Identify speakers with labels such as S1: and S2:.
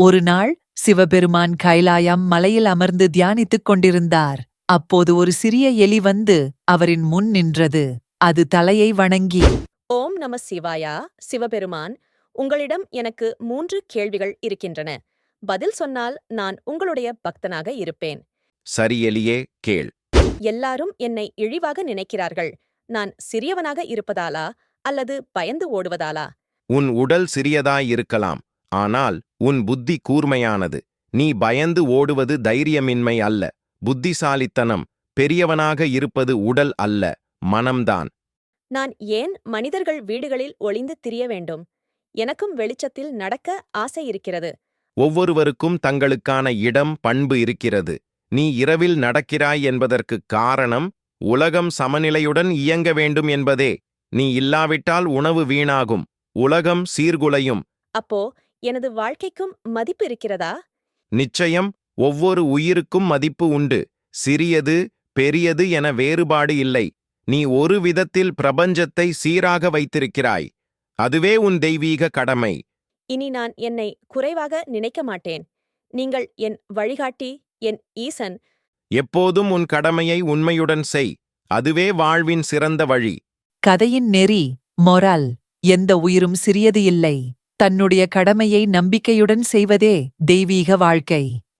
S1: ஒரு நாள் சிவபெருமான் கைலாயம் மலையில் அமர்ந்து தியானித்துக் கொண்டிருந்தார். அப்போது ஒரு சிறிய எலி வந்து அவரின் முன் நின்றது. அது தலையை வணங்கி,
S2: ஓம் நம சிவாயா. சிவபெருமான், உங்களிடம் எனக்கு 3 கேள்விகள் இருக்கின்றன. பதில் சொன்னால் நான் உங்களுடைய பக்தனாக இருப்பேன்.
S3: சரி எலியே, கேள்.
S2: எல்லாரும் என்னை இழிவாக நினைக்கிறார்கள். நான் சிறியவனாக இருப்பதாலா அல்லது பயந்து ஓடுவதாலா?
S3: உன் உடல் சிறியதாயிருக்கலாம், ஆனால் உன் புத்தி கூர்மையானது. நீ பயந்து ஓடுவது தைரியமின்மை அல்ல, புத்திசாலித்தனம். பெரியவனாக இருப்பது உடல் அல்ல, மனம்தான்.
S2: நான் ஏன் மனிதர்கள் வீடுகளில் ஒளிந்து திரிய வேண்டும்? எனக்கும் வெளிச்சத்தில் நடக்க ஆசை இருக்கிறது.
S3: ஒவ்வொருவருக்கும் தங்களுக்கான இடம், பண்பு இருக்கிறது. நீ இரவில் நடக்கிறாய் என்பதற்குக் காரணம் உலகம் சமநிலையுடன் இயங்க வேண்டும் என்பதே. நீ இல்லாவிட்டால் உணவு வீணாகும், உலகம் சீர்குலையும்.
S2: அப்போ எனது வாழ்க்கைக்கும் மதிப்பு இருக்கிறதா?
S3: நிச்சயம். ஒவ்வொரு உயிருக்கும் மதிப்பு உண்டு. சிறியது பெரியது என வேறுபாடு இல்லை. நீ ஒரு விதத்தில் பிரபஞ்சத்தை சீராக வைத்திருக்கிறாய். அதுவே உன் தெய்வீக கடமை.
S2: இனி நான் என்னை குறைவாக நினைக்க மாட்டேன். நீங்கள் என் வழிகாட்டி, என் ஈசன்.
S3: எப்போதும் உன் கடமையை உண்மையுடன் செய். அதுவே வாழ்வின் சிறந்த வழி.
S1: கதையின் நெறி, மொரல். எந்த உயிரும் சிறியது இல்லை. தன்னுடைய கடமையை நம்பிக்கையுடன் செய்வதே தெய்வீக வாழ்க்கை.